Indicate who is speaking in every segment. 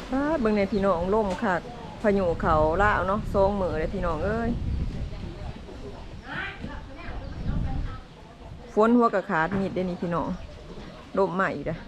Speaker 1: เบิ่งในพี่น้องล่มค่ะพายุเขาล่าวเนาะทรงมือเลยพี่น้องเอ้ยฝนหัวกระขาดมีดได้นี่พี่น้องล่มใหม่เด้อ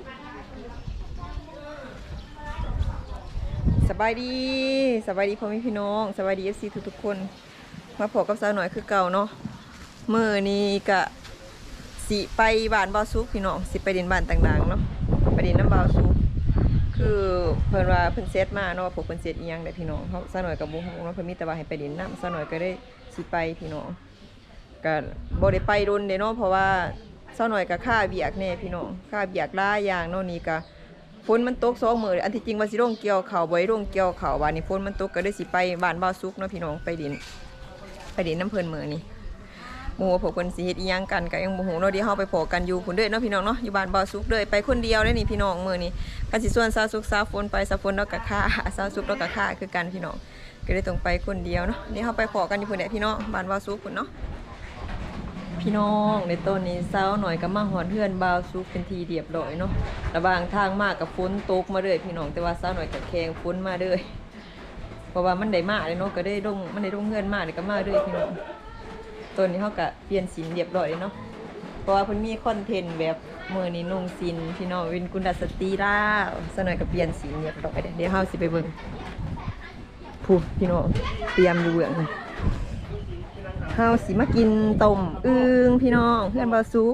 Speaker 1: สบายดีพ่อแม่พี่น้องสบายดี FC ทุกๆคนมาพบกับสาวหน่อยคือเก่าเนาะมื้อนี้ก็สิไปบ้านบ่าวซุกพี่น้องสิไปดินบ้านต่างๆเนาะไปดินน้ำบ่าวซุกคือเพิ่นว่าเพิ่นเซตมาเนาะว่าพวกเพิ่นเซตอีหยังได้พี่น้องเฮาซะหน่อยก็บ่ฮู้เนาะเพิ่นมีแต่ว่าให้ไปดินน้ำซะหน่อยก็ได้สิไปพี่น้องก็บ่ได้ไปโดนเด้เนาะเพราะว่าซะหน่อยก็ค่าเวียกแน่พี่น้องค่าเวียกหลายอย่างเนาะนี่ก็ฝนมันตก2มื้ออันที่จริงว่าสิลงเกี่ยวข้าวบ่ได้ลงเกี่ยวข้าวว่านี่ฝนมันตกก็ได้สิไปบ้านบ่าวซุกเนาะพี่น้องไปดินน้ำเพิ่นมื้อนี้หมู่พวกเพิ่นสิเฮ็ดอีหยังกันก็ยังบ่ฮู้เนาะเดี๋ยวเฮาไปพอกันอยู่พุ่นเด้อเนาะพี่น้องเนาะอยู่บ้านบ่าวซุกเด้อไปคนเดียวเด้อนี่พี่น้องมื้อนี้กันสิส่วนสาวซุกสาวฝนไปสาวฝนเนาะก็ค่าสาวซุกเนาะก็ค่าคือกันพี่น้องก็เลยต้องไปคนเดียวเนาะเดี๋ยวเฮาไปพอกันอยู่พุ่นแหละพี่น้องบ้านบ่าวซุกพุ่นเนาะพี่น้องในต้นนี้สาวหน่อยก็มาฮอดเฮือนบ่าวซุกเป็นทีเรียบร้อยเนาะระหว่างทางมากับฝนตกมาเรื่อยพี่น้องแต่ว่าสาวหน่อยก็แข่งฝนมาเรื่อยเพราะว่ามันได้มาเลยเนาะก็ได้ลงมันได้ลงเฮือนมาเลยก็มาเรื่อยพี่น้องตัวนี้เขาก็เปลี่ยนสีเรียบร้อยเนาะเพราะว่าเพิ่นมีคอนเทนต์แบบมื้อนี้นุ่งสินพี่น้องเป็นกุลสตรีล่าซะหน่อยก็เปลี่ยนสีเรียบร้อยเดี๋ยวเฮาสิไปเบิ่งผู้พี่น้องเตรียมอยู่เบื้องเฮาสิมากินต้มอึ่งพี่น้องเพื่อนบ่าวซุก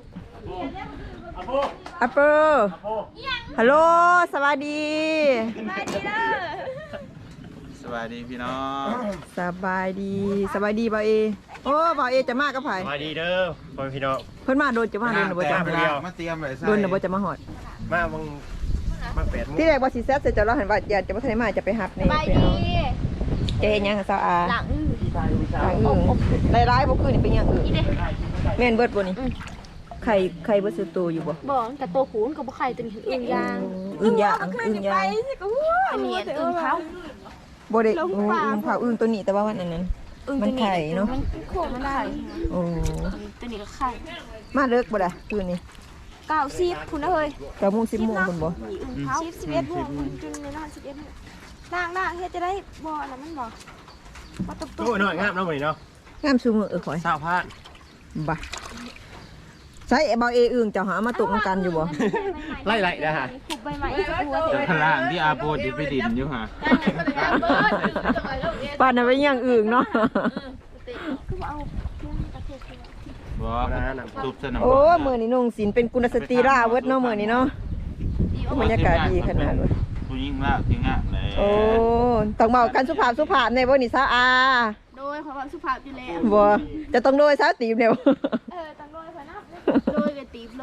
Speaker 1: อัปเปอร์ฮัลโหลสวัสดี
Speaker 2: สวัสดีเด้อ
Speaker 3: สวัสดีพี่น้อง
Speaker 1: สบายดีบ่าวเอโอ้บ่าวเอจะมากับไผ
Speaker 4: สวัสดีเด้อพ่อพี่น้อง
Speaker 1: เพิ่นมาโดนจะมาโดนบ่จะ
Speaker 3: มาเตรียมเลย
Speaker 1: โดนบ่จะมาฮอด
Speaker 4: มาบังมา8 โมง
Speaker 1: ที่แรกว่าสิแซ่บเสร็จแล้วเห็นว่าอยากจะบ่ทันได้มาจะไปหับใน
Speaker 2: ไป
Speaker 1: ไป
Speaker 2: ดี
Speaker 1: เอาจะเฮ็ดหยังกับสาวอา
Speaker 2: หลัง
Speaker 1: หลังอึ่งหลายๆบ่คือนี่เป็นหยังอึ่ง
Speaker 2: นี่เด้
Speaker 1: แม่นเบิดบ่นี่ไข่เบิดสุดโตอยู่บ่
Speaker 2: บอกแต่ตัวหูนกับไข่ตัวนี้อึ่งยาง
Speaker 1: อึ่งย่างอึ่งย่าง
Speaker 2: อันนี้อึ่งเผา
Speaker 1: บ่ได้อึ่งเผาอึ่งตัวนี้แต่ว่าวันนั้นมันไข่เนาะ
Speaker 2: มันโค้งมันได้
Speaker 1: โอ้
Speaker 2: ตัวนี้ก็ไข่
Speaker 1: มาเลิกบ่ล่ะคืนนี้
Speaker 2: 90คุณเอ้ย
Speaker 1: 9:00 น 10:00 นพุ่นบ่
Speaker 2: อึ่งเผา11 โมงจนในนอน11 โมงล่างเฮ็ดจะได้บ่อันนั้นมันบ่บ่ตบ
Speaker 4: โอ้ยน้อยงามเนาะมื้อนี้เนาะ
Speaker 1: งามซุมื้อข่อย
Speaker 4: 20,000
Speaker 1: บ่ใส่บ่าวเออึ่งเจ้าหามาตกนำกันอยู่บ่
Speaker 4: ไล่ๆนะฮะ
Speaker 2: ขุบใบไม้กับหัว
Speaker 3: เดี๋ยวข้างล่างที่อาโปดิไปดินอยู่ฮะ
Speaker 1: ป่านนั้นไปย่างอึ่งเนาะ
Speaker 2: คือเอาเครื่องกระเทศ
Speaker 3: บอกทุบสนาม
Speaker 1: โอ้มื้อนี้นุ่งสินเป็นกุลสตรีราเวิดเนาะมื้อนี้เนาะบรรยากาศดีขนาดว่า
Speaker 3: ผู้ยิ่งมากที่งามเลย
Speaker 1: โอ้ต้องเมากันสุภาพในบ่นี่ซะอา
Speaker 2: โดยความสุภาพอยู่แล้ว
Speaker 1: บ่จะต้องโดยซะตีบเนี่ย
Speaker 2: ตังโดยพนับโดยกับตีบเลย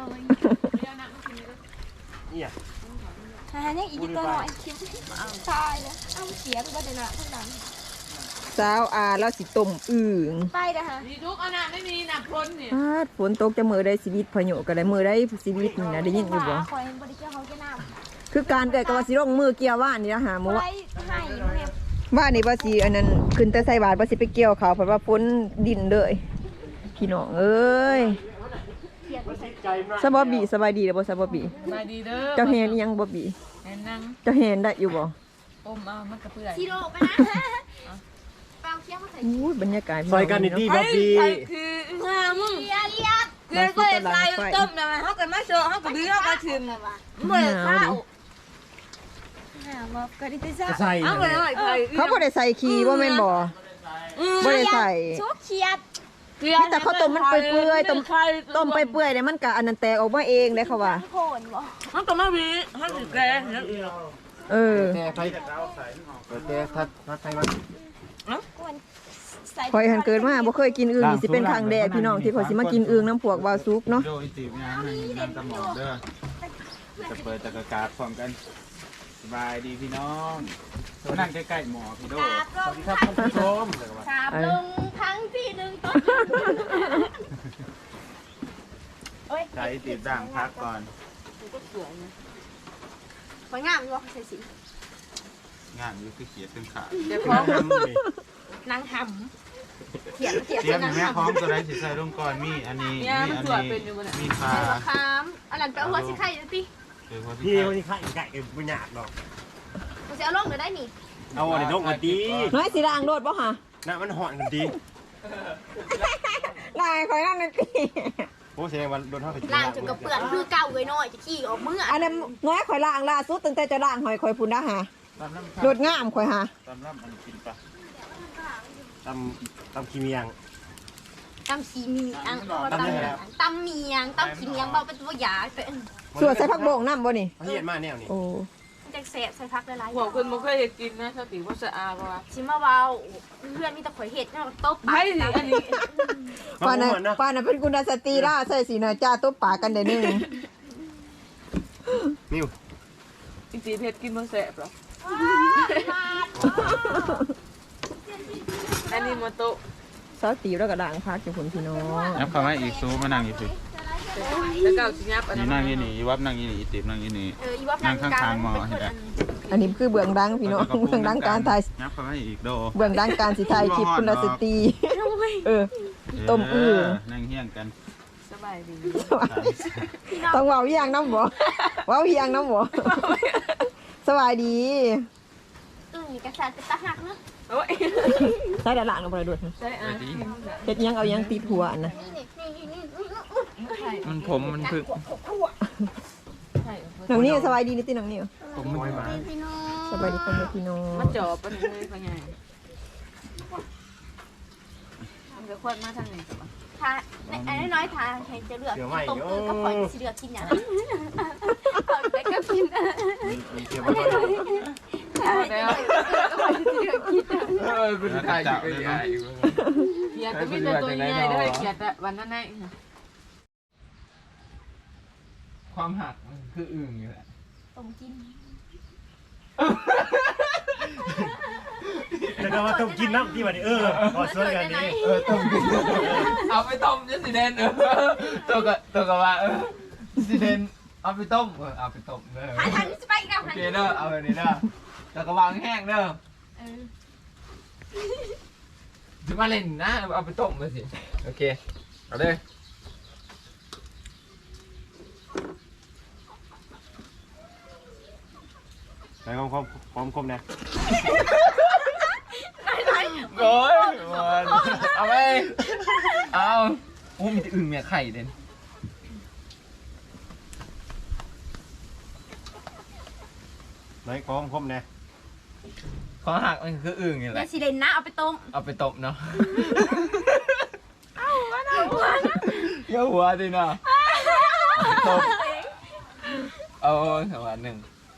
Speaker 4: นี่อ่ะ
Speaker 2: ฮะยังอีกตัวหน่อยเคี้ยวตายเลยเอาเสียไปบ้านเดี๋ยวนะทั้งนั้น
Speaker 1: สาวอาแล้วสิต้มอึ่ง
Speaker 2: ไปเด้อฮะ
Speaker 5: มีทุกอันน่ะไม่มีหนักพ้นเนี่ย
Speaker 1: ฝนตกจะมื้อได้ชีวิตพายุก็ได้มื้อได้ชีวิตนี่นะได้ยินอยู่บ่
Speaker 2: คอยเห็นบริเกียวเขาแค่น้ำ
Speaker 1: คือการเกิดกับว่าสิลงมือเกี่ยวว่านนี่นะหาหมู่
Speaker 2: ไว้ให้เห็บ
Speaker 1: ว่านนี่ว่าสิอันนั้นขึ้นแต่ใส่บาตรว่าสิไปเกี่ยวเขาเพราะว่าฝนดินเลยพี่น้องเอ้ยสบบีสบายดีเด้อบ่สบบี
Speaker 5: มาดีเด้อ
Speaker 1: เจ้าเห็นอีหยังบ่บี
Speaker 5: แอนนั่ง
Speaker 1: เจ้าเห็นได้อยู่บ่
Speaker 5: อมเอามันกระเพื่อย
Speaker 2: ซีโร่ไปนะไปเอาเคี้ยวมาใส่
Speaker 1: อู้บรรยากาศ
Speaker 4: ซอยกันดีๆบ่ดี
Speaker 5: คืองามึง
Speaker 2: เลียเลีย
Speaker 5: คือก็เลยใส่ต้มนะมันเขากันมาโชว์เขากับดื้อเขาก็ถึงเมื่อข้าว
Speaker 2: มาก็ได้จ้า
Speaker 4: จะใส่
Speaker 5: เอาไปเลยไป
Speaker 1: เขาบ่ได้ใส่ขี้บ่แม่นบ่บ่ได้ใส่
Speaker 2: ชุบเคียด
Speaker 1: นี่แต่เขาต้มมันเปื่อยๆต้มไปเปื่อยเนี่ยมันก็อันนั้นแตกออกมาเองได้เขาว่า
Speaker 2: โขนบ่
Speaker 5: เขาก็มาวีเขาสิแกแล้ว
Speaker 1: เออ
Speaker 4: แต่ไทยแต่ถ้าไทยมัน
Speaker 2: ใส่
Speaker 1: ข่อยหันเกิดมาบ่เคยกินอึ่งนี่สิเป็นครั้งแรกพี่น้องที่ข่อยสิมากินอึ่งน้ำพวกวาวซุปเนาะ
Speaker 3: โดยตีบงานนั่งตะหมอกเด้อจะเปิดตะกาศพร้อมกันสบายดีพี่น้องนั่งใกล้ๆหมอพี่โด
Speaker 4: สวัสดีครับท่านผู้ชม
Speaker 2: สาบลงทั้งที่หนึ่งต้นโอ้ย
Speaker 3: ใช้ตีบด่างพักก่อน
Speaker 2: สวยงามอยู่ใส่สี
Speaker 3: งานอยู่คือเขียดเป็นขา
Speaker 5: เดี๋ยวพร้อม
Speaker 2: นางหำเขียน
Speaker 3: เตรียมแม่พร้อมตัวใดสิใส่ลงก่อนมีอันนี้มีอันนี้มีปลา
Speaker 2: คามอันนั้นไปเอาหัวสิไข่ดูสิ
Speaker 3: คือว่า
Speaker 4: พี่
Speaker 3: ที่
Speaker 4: วันนี้ข้าอีกไก่ไม่หยาบหรอก
Speaker 2: วกูจะเอาลงเดี๋ยวได้นี่
Speaker 4: เอาอันนี้ลงกันดี
Speaker 1: น้อยสิล้างโดดบ่ฮะ
Speaker 4: น่ะมันห่อนกันดี
Speaker 1: ล้างคอยนั่งในตี
Speaker 4: โอ้แสดงว่าโดนเท่ากับ
Speaker 2: ล่างจนกระเปื่อนคือเก่าเลยน้อยจะขี้ออกมือ
Speaker 1: อันนั้นน้อยคอยล้างล่าสุดตั้งแต่จะล้างหอยคอยพุ่นนะฮะ
Speaker 3: ตำน้ำ
Speaker 1: โดดงามคอยฮะ
Speaker 3: ตำน้ำมันกินปะ
Speaker 4: ตำขี้เมียง
Speaker 2: ตำขี้เมียงตำเมียงตำขี้เมียงเบาเป็นตัวยาเป็น
Speaker 1: ส่วนใส่ผักโบ่งน้ำบ่นี่
Speaker 4: เขาเฮียนมาแนวนี้
Speaker 1: โอ้
Speaker 2: จะเสพใส่พักหลายๆ
Speaker 5: หัวคุณบ่เคยเห็นกินนะสติว่าสะอาดว่า
Speaker 2: ชิมมาเบาเพื่อนมีแต่ข่อยเห็ดเนาะตบ
Speaker 5: ไม่สิอันนี้
Speaker 1: ป้าน่ะป้าน่ะเป็นกุณสตรีล่าใส่สีหน่อยจ้าตุ๊บปากกันเดี๋ยวนึง
Speaker 4: มิว
Speaker 5: จริงๆเพชรกินบ่แสบหรออันนี้โมโตะ
Speaker 1: ซอสตีแล้วก็ล้างพักอยู่พุ่นพี่น้อง
Speaker 3: นับคำว่าอีกซูมานั่งอีกสิ
Speaker 5: แล้วก็เอาสิยับอัน
Speaker 3: นี่
Speaker 5: นั้น
Speaker 3: นั่งยี่นี่วับนั่งยี่นี่อีติบนั่งยี่นี่
Speaker 2: อีวับนางกลางเป็นคนอัน
Speaker 1: อันนี้คือเบื้องดังพี่น้องเบื้องดังการถ่าย
Speaker 3: นับคำว่าอีกโด
Speaker 1: เบื้องดังการสิถ่ายคลิปกุณสตรีต้มอื้อ
Speaker 3: นั่งเฮี้ยงกัน
Speaker 5: สบายดี
Speaker 1: ต้องเว้าเฮียงน้ำบ่เว้าเฮียงน้ำบ่สบายดี
Speaker 2: กระสันเป็นตาหักเนาะ
Speaker 5: โอ้ย
Speaker 1: ใส่ดาล่างลงไปด้วย
Speaker 5: ใช่อ่ะ
Speaker 1: เฮ็ดยังเอายังติดหัวอันนะ
Speaker 3: มันผมมันคือ
Speaker 1: น้องนี่สบายดีนี่ติน้องนี่
Speaker 3: ผมมันมา
Speaker 1: สบายดีคนเดียวพี่น้อง
Speaker 5: มันจอบมันเลยเป็นไงมันจะควดมาทางไหน
Speaker 2: ทาไอ้น้อยทาใครจะเลือกตรงก็ข่อยสิเลือกกินอย่างแต่ก็กิน
Speaker 4: มีเกี่ยวกับ
Speaker 5: แล้ว
Speaker 3: คุณตายอยู่ใหญ่
Speaker 5: เกียร์ก็มีแต่ตัวใหญ่ด้วยเกียร์แต่วันนั้นไง
Speaker 3: ความหักมันคืออึ่งอยู่แหละ
Speaker 2: ต้มกิน
Speaker 4: แต่ก็ว่าต้องกินน้ำที่วันนี้ขอช่วยกันนี่
Speaker 3: ต้มกินเอาไปต้มจะสิเดนตัวกับว่าสิเดนเอาไปต้มเอาไปต้มเด้อ
Speaker 2: หาทางที่จะไปกับ
Speaker 3: โอ
Speaker 2: หัน
Speaker 3: เคเด้อเอาแบบนี้เด้อแล้วก็วางแห้งเด้อจะมาเล่นนะเอาไปต้มมาสิโอเคเอาเลย
Speaker 4: ไหนความคมนะ
Speaker 3: โอ้ยมันเอาไปเอาโอ้มีแต่อึ่งเมียไข่เด่น
Speaker 4: ไหนความคมนะ
Speaker 3: ขอหักมันคืออึ่งนี่แห
Speaker 2: แล้
Speaker 3: ละ
Speaker 2: วสิเลนนะเอาไปต้ม
Speaker 3: เอาไปต้มเนาะเยอะหัวดิเนาะต้มเอาสักวันหนึ่ง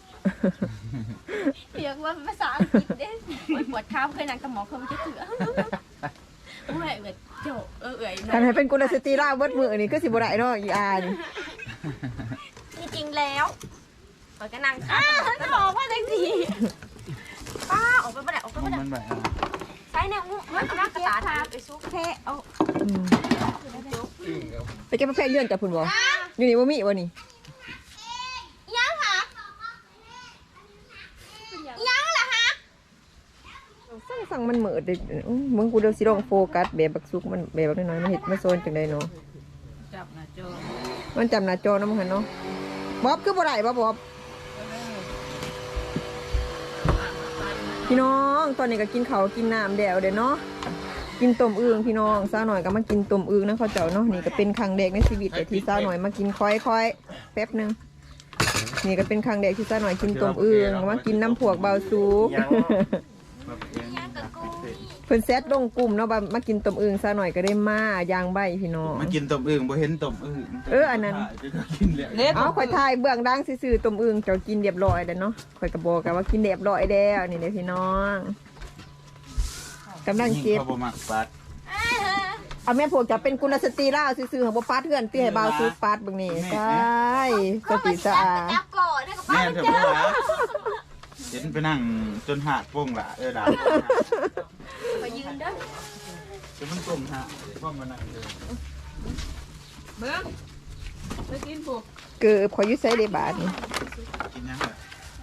Speaker 2: เรียกว่าภาษาอังกฤษเด้ปวดข้าวเคยนั่งกับหมอเขาไม่จะเถื่อเอื่อยเจ้าเอื่อย
Speaker 1: การให้เป็นกุณสตรีล่าเบิดมือนี่ก็สิบ่ได้เนาะอีอาน
Speaker 2: จริงแล้วเปิดก็นั่งจะบอกว่าจังสิป้าออกไปบ่ได้ออกไปบ่ได้
Speaker 3: มันแบบ
Speaker 2: ใช้แนวงูมันเอากระตาทาไปซุกแค่เอา
Speaker 3: อึ่งกับ
Speaker 1: ไปเก็บมาแพร่เลื่อนกับพุ่นบ่อยู่นี่บ่มีบ่นี่
Speaker 2: ยังค่ะยังล่ะฮะ
Speaker 1: สั่งมันเหมือดเด้มึงกูเดี๋ยวสิลองโฟกัสแบบบักซุกมันแบบน้อยๆมันเฮ็ดมาโซนจังได๋เนาะ
Speaker 5: จับหน้าจอ
Speaker 1: มันจำหน้าจอนำหั่นเนาะบ๊อบคือบ่ได้บ่บ๊อบพี่น้องตอนนี้ก็กินข้าวกินน้ำแล้วเด้เนาะกินต้มอึ่งพี่น้องสาวหน่อยก็มากินต้มอึ่งนะเขาเจ้าเนาะนี่ก็เป็นครั้งแรกในชีวิตแต่ที่สาวหน่อยมากินค่อยๆแป๊บนึงนี่ก็เป็นครั้งแรกที่สาวหน่อยกินต้มอึ่งมากินน้ำพวกเบาซุก เพิ่นแซดลงกลุ่มเนาะว่ามากินต้มอึ่งซะหน่อยก็ได้มาย่างใบพี่น้อง
Speaker 3: มากินต้มอึ่งบ่เห็นต้มอึ่ง
Speaker 1: อันนั้น
Speaker 3: กินเลย
Speaker 1: เอาข่อยทายเบื้องดังซื่อๆต้มอึ่งเจ้ากินเรียบร้อยแล้วเนาะข่อยก็บอกกันว่ากินเรียบร้อยแล้วนี่เด้อพี่น้องกำลังเก็บ
Speaker 3: เขาบ่มักปัด
Speaker 1: เอาแม่พวกจะเป็นกุลสตรีลาวซื่อๆของบ่ปาดเฮือนเตี้ยให้บ่าวซุกปาดเบิ่งนี่ใช่สติสะอาด
Speaker 2: จับก่อนแล้วก็ป้า
Speaker 3: แม่เถอะพ่อหลาเห็นไปนั่งจนหักโป้งละด่า
Speaker 2: ไปยืนเด้อ
Speaker 3: จะมันกลมฮะพ่อมานั่งเลย
Speaker 5: เบิ้งไปกินพวก
Speaker 1: เกือบข่อยอยู่ไสได้บาดนี่
Speaker 3: กินยังไง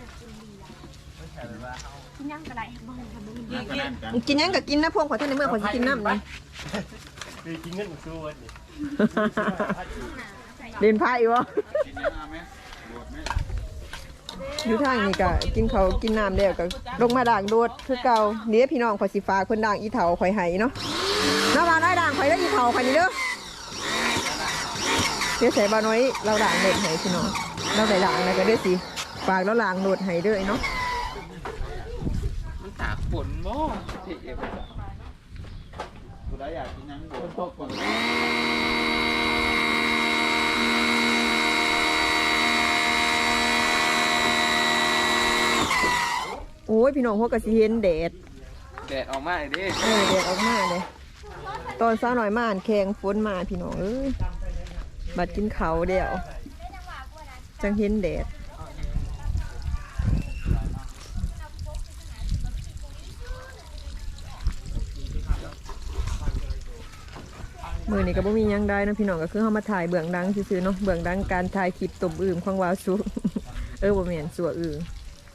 Speaker 2: กินยังก็ได้บ่ให้ทำบ่มี
Speaker 3: นั่งกันนั่งกัน
Speaker 1: กินหยังก็กินนะพวกข่อยท่านในเมื่อข่อยสิกินน้ำนี่
Speaker 4: คือกินเงินสู้วันนี้
Speaker 1: เล่นไพ่บ่
Speaker 3: กินยังไงไหมโดดไหม
Speaker 1: อยู่ทางนี้ก็กินเขาวกินน้ำแล้วก็ลงมาด่างโดดคือเก่านี่พี่น้องข่อยสิฟ้ากเพิ่นด่างอีเถาข่อยให้เนาะน้าว่าน้อยด่างข่อยเด้ออีเถาข่อยนี่เด้อเดี๋ยวใส่บ่น้อยเราด่างโดดให้พี่น้องเราได้ด่างแล้วก็เด้อสิฝากเราด่างโดดให้เด้อเนาะ
Speaker 3: มันตากฝนบ่ที่เอฟกูได้อยากกินยังฝนตกฝน
Speaker 1: โอ้ยพี่น้องพวกก็สิเห็นแดด
Speaker 3: แดดออกมาเลยดิ
Speaker 1: แดดออกมาเลยตอนเช้าหน่อยมาอ่านแข่งฝนมาพี่น้องเอ้ยบัดกินเขาวเดียวจังเห็นแดดมือนี้ก็บ่มีหยังได้นะพี่น้องก็คือเฮามาถ่ายเบื้องดังซื่อๆเนาะเบื้องดังการถ่ายคลิปตบอึ่งของวาวซุบ่แม่นสัวอึ่ง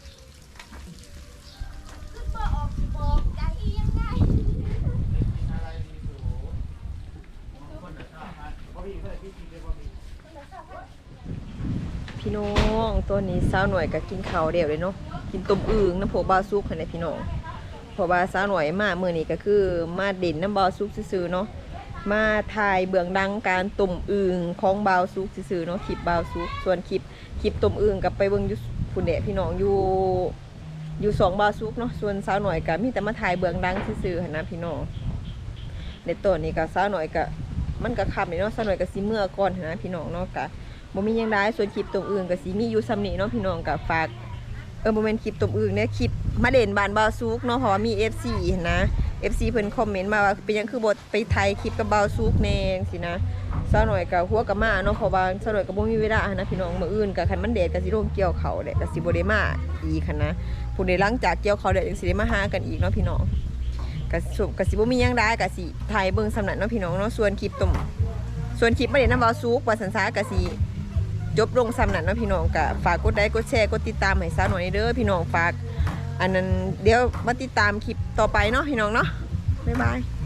Speaker 1: พี่น้องตัวนี้สาวหน่วยก็กินข้าวเดียวเลยเนาะกินต้มอึ่งน้ำโพบาซุกให้พี่น้องเพราะว่าสาวหน่วยมามื้อนี้ก็คือมาเด่นน้ำบาซุกซื่อๆเนาะมาถ่ายเบื้องดังการต้มอึ่งของบาวซุกซื่อๆเนาะคลิปบาวซุกส่วนคลิปต้มอึ่งกับไปเบิ่งอยู่พุ่นแหละพี่น้องอยู่สองบาวซุกเนาะส่วนสาวหน่อยก็มีแต่มาถ่ายเบื้องดังซื่อๆหั่นนะพี่น้องในตัวนี้ก็สาวหน่อยก็มันก็ค่ำนี่เนาะสาวหน่อยก็สิเมื่อก่อนหั่นนะพี่น้องเนาะก็บ่มีหยังได้ส่วนคลิปต้มอึ่งก็สิมีอยู่ซ้ำนี้เนาะพี่น้องก็ฝากบ่แม่นคลิปต้มอึ่งเนี่ยคลิปมาเด่นบ้านบาวซุกเนาะเพราะว่ามี FC หั่นนะ FC เพิ่นคอมเมนต์มาว่าเป็นหยังคือบทไปไทยคลิปกับบาวซุกแน่จังซี่นะซะหน่อยก็หัวกับมาเนาะเพราะว่าซะหน่อยก็บ่มีเวลานะพี่น้องมื้ออื่นก็คันมันแดดก็สิลงเกี่ยวเขาแหละก็สิบ่ได้มาอีกคั่นนะผู้ใดหลังจากเกี่ยวเขาแล้วจังสิได้มาหากันอีกเนาะพี่น้องก็สิบ่มีหยังได้ก็สิถ่ายเบิ่งสำนักเนาะพี่น้องเนาะส่วนคลิปมาเด่นนำบาวซุกว่าสันซาก็สิจบลงสำนักเนาะพี่น้องก็ฝากกดไลค์กดแชร์กดติดตามให้ซะหน่อยเด้อพี่น้องฝากอันนั้นเดี๋ยวมาติดตามคลิปต่อไปเนาะพี่น้องเนาะบ๊ายบาย